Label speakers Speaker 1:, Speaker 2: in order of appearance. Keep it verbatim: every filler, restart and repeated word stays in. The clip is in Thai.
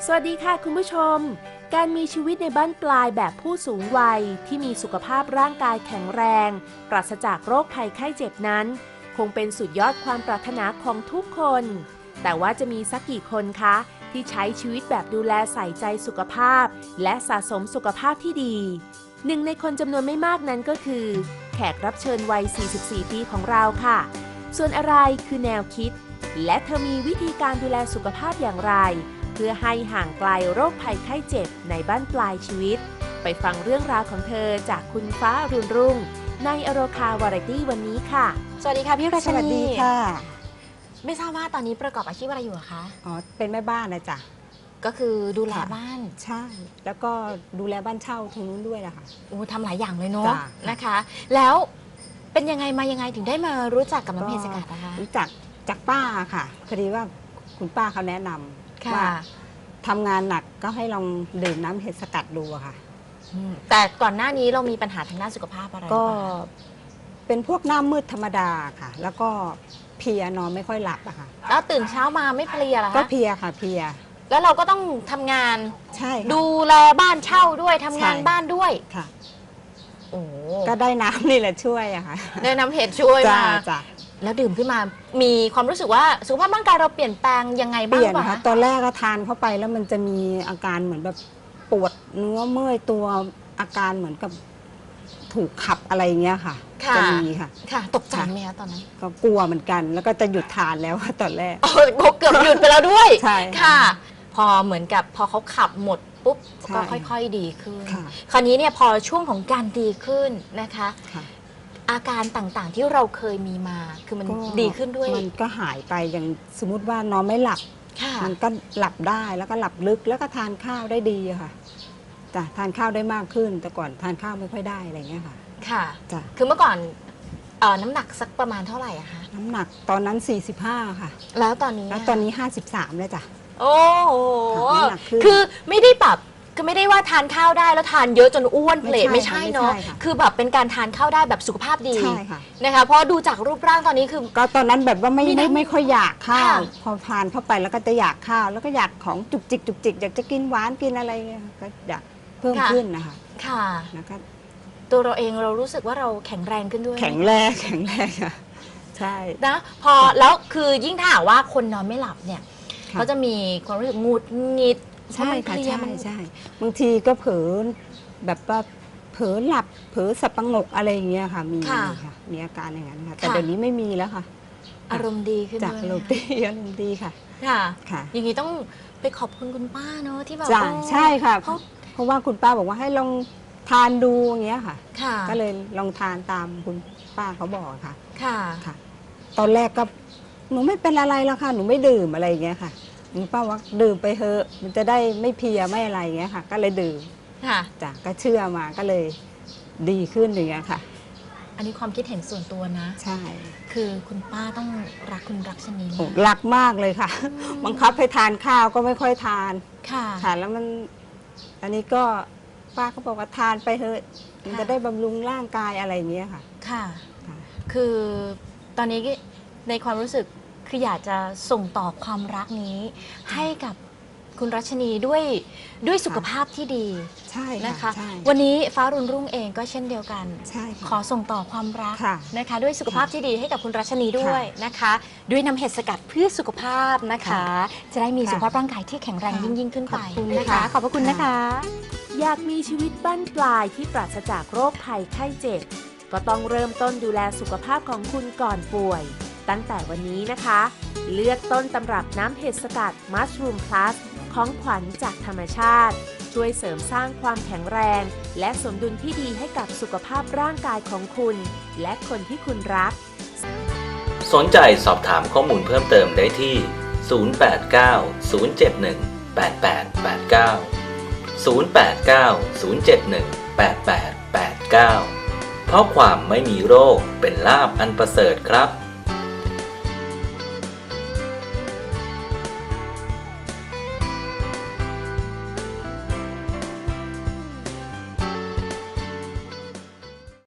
Speaker 1: วัสดีค่ะคุณผู้ชมการมีชีวิตในบ้านปลายแบบผู้สูงวัยที่มีสุขภาพร่างกายแข็งแรงปราศจากโรคภัยไข้เจ็บนั้นคงเป็นสุดยอดความปรารถนาของทุกคนแต่ว่าจะมีสักกี่คนคะที่ใช้ชีวิตแบบดูแลใส่ใจสุขภาพและสะสมสุขภาพที่ดีหนึ่งในคนจำนวนไม่มากนั้นก็คือแขกรับเชิญวัย สี่สิบสี่ ปีของเราค่ะส่วนอะไรคือแนวคิดและเธอมีวิธีการดูแลสุขภาพอย่างไรเพื่อให้ห่างไกลโรคภัยไข้เจ็บในบ้านปลายชีวิตไปฟังเรื่องราวของเธอจากคุณฟ้าอรุณรุ่งในอโรคาวาไรตี้วันนี้ค่ะ
Speaker 2: สวัสดีค่ะพี่รัชนี
Speaker 3: สวัสดีค่ะ
Speaker 2: ไม่ทราบว่าตอนนี้ประกอบอาชีพอะไรอยู่คะ
Speaker 3: อ๋อเป็นแม่บ้านนะจ๊ะ
Speaker 2: ก็คือดูแล
Speaker 3: ค่ะ
Speaker 2: บ้าน
Speaker 3: ใช่แล้วก็ดูแลบ้านเช่าตรงนู้นด้วยนะคะ
Speaker 2: โอ้ทำหลายอย่างเลยเนาะ
Speaker 3: จ้ะ
Speaker 2: นะคะ แล้วเป็นยังไงมายังไงถึงได้มารู้จักกับน้ำเพชรสกัดนะคะ
Speaker 3: รู้จักจากป้าค่ะพอดีว่าคุณป้าเขาแนะนำ
Speaker 2: ค่ะ
Speaker 3: ว่าทำงานหนักก็ให้ลองดื่มน้ำเห็ดสกัดดูอะค่ะ
Speaker 2: อืมแต่ก่อนหน้านี้เรามีปัญหาทางด้านสุขภาพอะไร
Speaker 3: ก็
Speaker 2: บ้างคะ
Speaker 3: เป็นพวกหน้ามืดธรรมดาค่ะ แล้วก็เพลียนอนไม่ค่อยหลับอะค่ะ
Speaker 2: แล้วตื่นเช้ามาไม่เพลียเหรอ
Speaker 3: ก็
Speaker 2: คะ
Speaker 3: เพลียค่ะเพลีย
Speaker 2: แล้วเราก็ต้องทำงาน
Speaker 3: ใช่ค่ะ
Speaker 2: ดูแลบ้านเช่าด้วยทำงาน
Speaker 3: ใช่
Speaker 2: บ้านด้วย
Speaker 3: ค่ะ
Speaker 2: โอ้
Speaker 3: ก็ได้น้ำนี่แหละช่วยอะค่ะ
Speaker 2: ได้น้ำเห็ดช่วย
Speaker 3: จ้า
Speaker 2: มา
Speaker 3: จ้า
Speaker 2: แล้วดื่มขึ้นมามีความรู้สึกว่าสุขภาพร่างกายเราเปลี่ยนแปลงยังไง
Speaker 3: เป
Speaker 2: บ้าง
Speaker 3: ลี่ยน
Speaker 2: เปล่า
Speaker 3: นะคะ
Speaker 2: คะ
Speaker 3: ตอนแรกก็ทานเข้าไปแล้วมันจะมีอาการเหมือนแบบปวดเนื้อเมื่อยตัวอาการเหมือนกับถูกขับอะไรอย่างเงี้ยค่ะ
Speaker 2: ค่ะ
Speaker 3: จะมีค่ะ
Speaker 2: ค่ะ ตกใจ
Speaker 3: ค่ะ
Speaker 2: ไหมคะตอนนั้น
Speaker 3: ก็กลัวเหมือนกัน แล้วก็จะหยุดทานแล้วค่ะตอนแรก
Speaker 2: โอ้ยเกือบหยุดไปแล้วด้วย
Speaker 3: ใช่
Speaker 2: ค่ะ พอเหมือนกับพอเขาขับหมดปุ๊บ
Speaker 3: ใช่
Speaker 2: ก็ค่อยๆดีขึ้น
Speaker 3: ค่ะ
Speaker 2: คราวนี้เนี่ยพอช่วงของการดีขึ้นนะคะ
Speaker 3: ค่ะ
Speaker 2: อาการต่างๆที่เราเคยมีมาคือมัน
Speaker 3: ก็
Speaker 2: ดีขึ้นด้วย
Speaker 3: มันก็หายไปอย่างสมมติว่านอนไม่หลับ
Speaker 2: ค่ะ
Speaker 3: มันก็หลับได้แล้วก็หลับลึกแล้วก็ทานข้าวได้ดีอะค่ะจ้ะทานข้าวได้มากขึ้น แต่ก่อนทานข้าวไม่ค่อยได้อะไรอย่างเงี้ยค่ะ
Speaker 2: ค่ะ
Speaker 3: จ้ะ
Speaker 2: คือเมื่อก่อนเอ่อน้ำหนักสักประมาณเท่าไหร่อะคะ
Speaker 3: น้ำหนักตอนนั้นสี่สิบห้าค่ะ
Speaker 2: แล้วตอนนี้
Speaker 3: แล้วตอนนี้ห้าสิบสามแล้วจ้ะ
Speaker 2: โอ้โห
Speaker 3: ค่ะน้ำหนักขึ้น
Speaker 2: คือไม่ได้แบบคือไม่ได้ว่าทานข้าวได้แล้วทานเยอะจนอ้วนเพลท
Speaker 3: ไม่
Speaker 2: ไม่
Speaker 3: ใช่
Speaker 2: ใช่
Speaker 3: ค่ะ
Speaker 2: เนาะ
Speaker 3: ไม่ใช่ค่ะ
Speaker 2: คือแบบเป็นการทานข้าวได้แบบสุขภาพดี
Speaker 3: ใช่ค่ะ
Speaker 2: นะคะเพราะดูจากรูปร่างตอนนี้คือ
Speaker 3: ก็ตอนนั้นแบบว่าไม่
Speaker 2: มี
Speaker 3: ไม่
Speaker 2: น้ำ
Speaker 3: ไม่ค่อยอยากข้าว
Speaker 2: ค่ะ
Speaker 3: พอทานเข้าไปแล้วก็จะอยากข้าว แล้วก็อยากของจุกจิกจุกจิกอยากจะกินหวานกินอะไรเงี้ยก็อยากเพิ่มขึ้นนะคะ
Speaker 2: ค่ะ
Speaker 3: แล้วก็
Speaker 2: ตัวเราเองเรารู้สึกว่าเราแข็งแรงขึ้นด้วย
Speaker 3: แข็งแรงแข็งแรงค่ะใช่
Speaker 2: นะพอแล้วคือยิ่งถ้าหากว่าคนนอนไม่หลับเนี่ย
Speaker 3: ค่ะ
Speaker 2: เขาจะมีความรู้สึกหงุดหงิด
Speaker 3: ใช่
Speaker 2: เพรา
Speaker 3: ค่ะ
Speaker 2: มันเพลีย
Speaker 3: ใช่
Speaker 2: มัน
Speaker 3: ใช่บางทีก็เผลอแบบว่าเผลอหลับเผลอสับประงกอะไรอย่างเงี้ยค่ะ มีค่ะมีอาการอย่างนั้นค่ะแต่เดี๋ยวนี้ไม่มีแล้วค่ะ
Speaker 2: อารมณ์ดีขึ้น
Speaker 3: จาก
Speaker 2: ด้วย
Speaker 3: อารมณ์ดีอารมณ์ดีค่ะ
Speaker 2: ค่ะ
Speaker 3: ค่ะ
Speaker 2: อย่างนี้ต้องไปขอบคุณคุณป้าเนอะที่แบบ
Speaker 3: จ้ะ
Speaker 2: เออ
Speaker 3: ใช่ค่ะ
Speaker 2: เขา
Speaker 3: เพราะว่าคุณป้าบอกว่าให้ลองทานดูอย่างเงี้ยค่ะ
Speaker 2: ค่ะ
Speaker 3: ก็เลยลองทานตามคุณป้าเขาบอกค่ะ
Speaker 2: ค่ะ
Speaker 3: ค่ะ ตอนแรกก็หนูไม่เป็นอะไรแล้วค่ะ หนูไม่ดื่มอะไรอย่างเงี้ยค่ะคุณป้าว่าดื่มไปเถอะมันจะได้ไม่เพลียไม่อะไรอย่างเงี้ยค่ะ ก็เลยดื่ม
Speaker 2: ค่ะ
Speaker 3: จ้ะก็เชื่อมาก็เลยดีขึ้นอย่างเงี้ยค่ะ
Speaker 2: อันนี้ความคิดเห็นส่วนตัวนะ
Speaker 3: ใช่
Speaker 2: คือคุณป้าต้องรักคุณรักชนี
Speaker 3: โอ้
Speaker 2: มาก
Speaker 3: รักมากเลยค่ะ บังคับให้ทานข้าวก็ไม่ค่อยทาน
Speaker 2: ค่ะ
Speaker 3: ค่ะแล้วมัน อันนี้ก็ป้าเขาบอกว่าทานไปเถอะมันจะได้บำรุงร่างกายอะไรอย่างเงี้ยค่ะ
Speaker 2: ค่ะ
Speaker 3: ค่ะ
Speaker 2: คือตอนนี้ในความรู้สึกคืออยากจะส่งต่อความรักนี้ ให้กับคุณรัชนีด้วยด้วยสุขภาพที่ดี
Speaker 3: ใช่
Speaker 2: นะคะ
Speaker 3: ใช่
Speaker 2: วันนี้ฟ้ารุ่นรุ่งเองก็เช่นเดียวกัน
Speaker 3: ใช่ค่ะ
Speaker 2: ขอส่งต่อความรัก
Speaker 3: ค่ะ
Speaker 2: นะคะ ด้วยสุขภาพที่ดีให้กับคุณรัชนีด้วยนะคะ ด้วยน้ำเห็ดสกัดเพื่อสุขภาพนะคะ จะได้มี
Speaker 3: ค่ะ
Speaker 2: สุขภาพร่างกายที่แข็งแรง
Speaker 3: ค่ะ
Speaker 2: ยิ่งยิ่งขึ้นไป
Speaker 3: ขอบคุณ
Speaker 2: นะคะ
Speaker 3: ค่ะ
Speaker 2: ขอบพระคุณนะคะ
Speaker 1: อยากมีชีวิตบั้นปลายที่ปราศจากโรคภัยไข้เจ็บก็ต้องเริ่มต้นดูแลสุขภาพของคุณก่อนป่วย ตั้งแต่วันนี้นะคะ เลือกต้นตำรับน้ำเห็ดสกัด Mushroom Plus ของขวัญจากธรรมชาติ ช่วยเสริมสร้างความแข็งแรง และสมดุลที่ดีให้กับสุขภาพร่างกายของคุณ และคนที่คุณรัก
Speaker 4: สนใจสอบถามข้อมูลเพิ่มเติมได้ที่ ศูนย์ แปด เก้า ศูนย์ เจ็ด หนึ่ง แปด แปด แปด เก้า ศูนย์ แปด เก้า ศูนย์ เจ็ด หนึ่ง แปด แปด แปด เก้า เพราะความไม่มีโรคเป็นลาภอันประเสริฐครับ